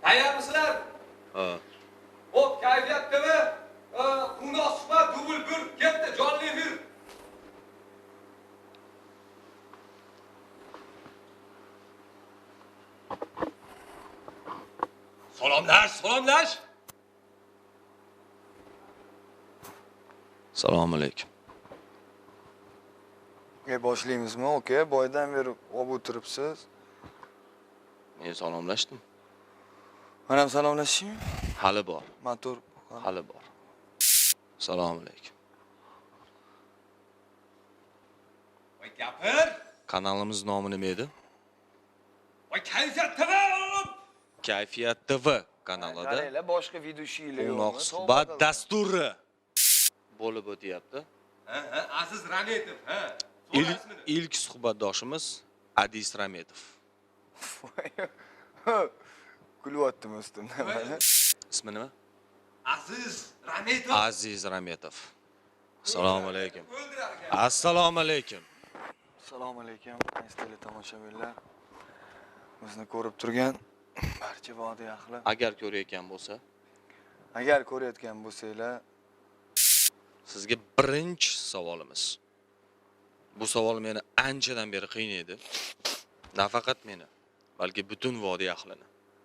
Tayyormisizlar? Ha. Hop, kayfiyat TV. Kundoq suhbat dubl 1 ketdi, jonli efir. Salomlash. Assalomu alaykum. Başlaymizmi? Okey, boydan beri olib o'tiribsiz. Men salomlashdim. Men ham salomlashishmi? Hali bor. Motor. Hali bor. Assalomu alaykum. Voy gapir. Kanalimiz nomi nima edi? Voy kayfiyat TV oğlum. Kayfiyat TV kanalida Qaranglar, boshqa video ishinglar Quvnoq yo'qmi? suhbat dasturi bo'lib o'tyapti. Ha, Aziz Rametov, ha. İlk suhbatdoshimiz Adis Rametov. Kulyaptimi ustimdan mana. Ismi nima? Aziz Rametov. Aziz Rametov. Assalomu alaykum. O'ldirar ekan. Assalomu alaykum. Assalomu alaykum, aziz tomoshabinlar. Bizni ko'rib turgan barcha vodiy ahli. Agar ko'rayotgan bo'lsa, Agar ko'rayotgan bo'lsanglar, sizga birinchi savolimiz. Bu savol meni anchadan beri qiynaydi. Nafaqat meni, balki butun vodiy ahlini.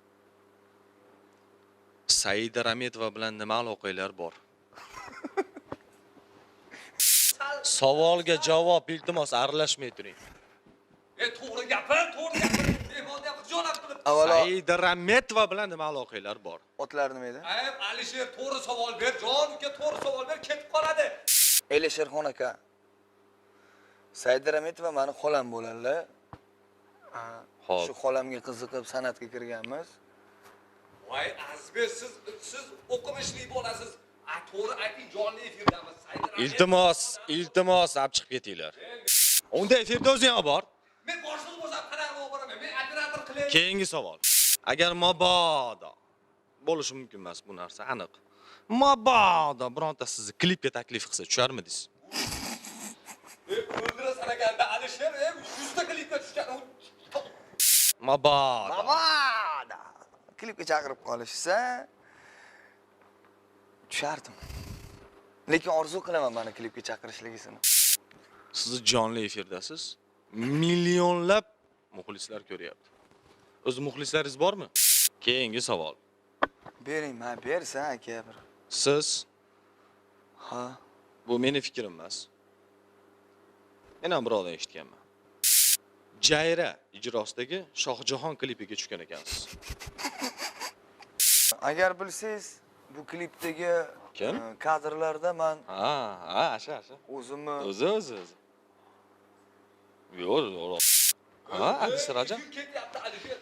Saida Rametova bilan nima aloqalar bor? Savolga javob iltimos aralashmay turing. To'g'ri gapir. Mehmonni ham xijolat qilib. avvalo Saida Rametova bilan nima aloqalar bor? otlar nima edi? Ayb Alisher to'g'ri savol ber, jon uka to'g'ri savol ber, ketib qoladi. Elisherxon aka. Saida Rametova meni xolam bo'ladilar. Xo'p. Shu xolamga qiziqib san'atga kirganmiz. Voy Azizbek, siz o'qimishli bo'lasiz. To'g'ri ayting, jonli efirdamiz. Iltimos, olib chiqib ketinglar. Unda efirda o'zing olib bor. Men boshliq bo'lsam qanaqa olib boraman? Men operator qilay. Keyingi savol. Agar mabodo bo'lishi mumkin emas bu narsa aniq. Mabodo bironta sizni klipga taklif qilsa tusharmidingiz? O'ldirasan ekanda Alisher, 100 ta klipga tushgan. Mabodo. Mamada. Klipga chaqirib qolishsa, tushardim. Lekin orzu qilaman meni klipga chaqirishligisini. Siz jonli efirdasiz. Millionlab muxlislar ko'ryapti. O'z muxlislaringiz bormi? Keyingi savol. Bering, men bersan aka bir. Siz Ha. bu meni fikrim emas. Men ham birovdan eshitganman. Jayra ijrosidagi Shohjahon klipiga tushgan ekansiz. Agar bilsangiz, bu klipdagi Kim? kadrlarda men Asha. o'zimni O'zi. Yo'q. Ha, Adis Raja. Kim ketyapti Alisher?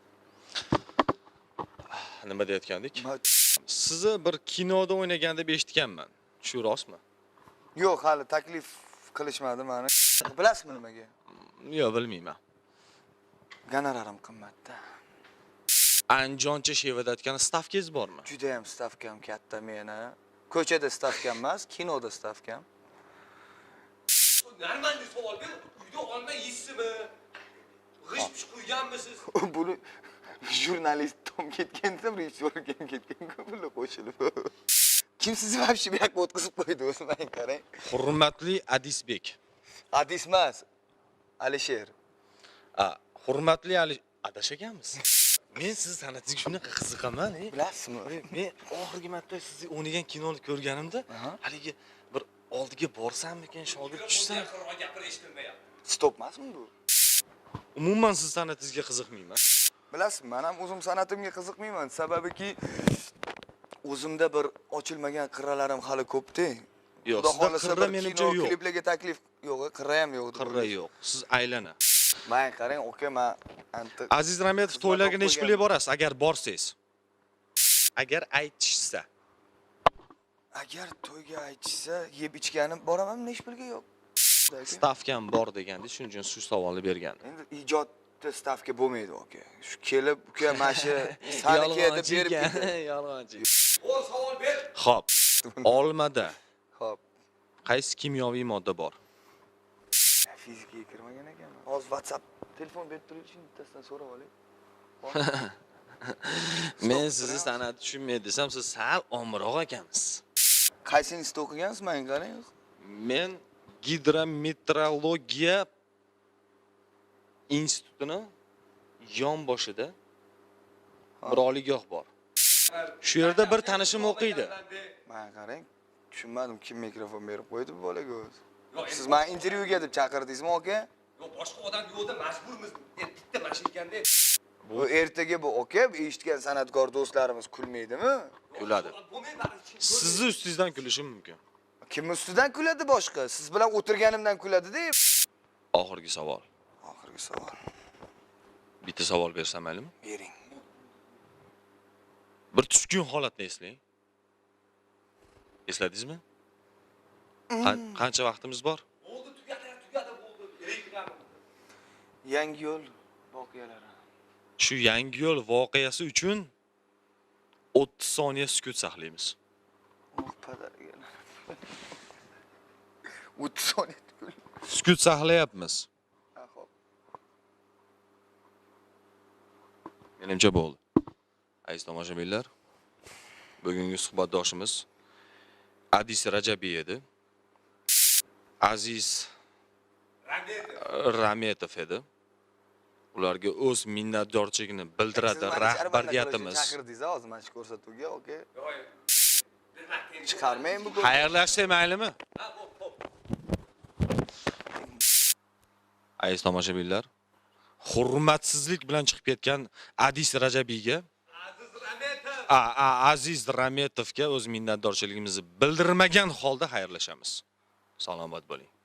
Nima deyotgandik? Sizni bir kinoda o'ynagan deb eshitganman. Shu rostmi? Yo'q, hali taklif qilishmadi meni. Bilasizmi nimaga? Yo'q, bilmayman. Gonorarim qimmatda. Anjoncha shevadatgan stavkangiz bormi? Juda ham stavkam katta meni. Ko'chada stavkam emas, kinoda stavkam. Normalniy savol ber. Uyda olma yeysizmi? G'isht quyganmisiz? Buni jurnalist tom ketganda rejissyor ketgan bular qo'shilib. Kim sizni вообще bu yoqqa o'tkazib qo'ydi o'zi men qarang. Hurmatli Adisbek. Adis emas. Alisher. Hurmatli adashaganmiz. Men siz san'atingizga shunaqa qiziqaman, Bilasizmi? Men oxirgi marta sizni o'ynagan kinoni ko'rganimda, haligi bir oldiga borsammikan, shogird tushsam, Yaqinroq gapir, eshitilmayapti. Stop emasmi bu? umuman siz san'atingizga qiziqmayman. Bilasizmi, men ham o'zim san'atimga qiziqmayman, sababiki o'zimda bir ochilmagan qirralarim hali ko'p-da. Yo'q, sizda qirra menimcha yo'q. Kliplarga taklif yo'q, qirra ham yo'q. Qirra yo'q. Siz aylana. Men qarang, aka, men Aziz Rametov to'ylarga necha pulga borasiz agar borsangiz? Agar aytishsa. Agar to'yga aytishsa, yeb ichganim boraman, hech pulga yo'q. Stavkam bor degandingiz, shuning uchun shu savolni bergan. Endi ijodda stavka bo'lmaydi, aka. Shu kelib, uka, mana shu saniki deb berib ketdi. Yolg'onchi. O savol ber. Xo'p. Olmada Xo'p. qaysi kimyoviy modda bor? Fizikaga kirmagan ekanman. Hozir WhatsApp telefon berib turingchi, bittasidan so'rab olay. Men sizni san'at tushunmay desam, siz sal omroq ekansiz. Qaysi institutda o'qigansiz? Menga qarang. Men gidrometeorologiya institutini yon boshida bir oliygoh bor. Shu yerda bir tanishim o'qiydi. Menga qarang. Tushunmadim, kim mikrofon berib qo'ydi bu bolaga o'zi. Siz meni intervyuga deb chaqirdingizmi, aka? Yo'q, boshqa odam yo'qda majburmiz. Bitta mashina ekanda. Bu ertaga bu aka eshitgan san'atkor do'stlarimiz kulmaydimi? Kuladi. Sizni ustingizdan kulishim mumkin. Kim ustidan kuladi boshqa? Siz bilan o'tirganimdan kuladi-da. Oxirgi savol. Oxirgi savol. Bitta savol bersam maylimi? Bering. Bir tushkun holatni eslang. Esladingizmi? Qancha vaqtimiz bor? Bo'ldi, tugadi bo'ldi. Reklam. Yangi yo'l voqealari. Shu yangi yo'l voqeasi uchun 30 soniya sukut saqlaymiz. Oh, padariga. 30 soniya tukul. Sukut saqlayapmiz. Ha, xo'p. Menimcha bo'ldi. Aziz tomoshabinlar, bugungi suhbatdoshimiz Adis Rajabiy edi. Aziz Rametov edi. Ularga o'z minnatdorchiligini bildiradi rahbariyatimiz. Chaqirdingiz hozir mana shu ko'rsatuvga, aka. Chiqarmang bu. Xayrlashsak maylimi? Ha, hop. Aziz tomoshabinlar, hurmatsizlik bilan chiqib ketgan Adis Rajabiyga, Aziz Rametovga o'z minnatdorchiligimizni bildirmagan holda xayrlashamiz. Salomat bo'ling.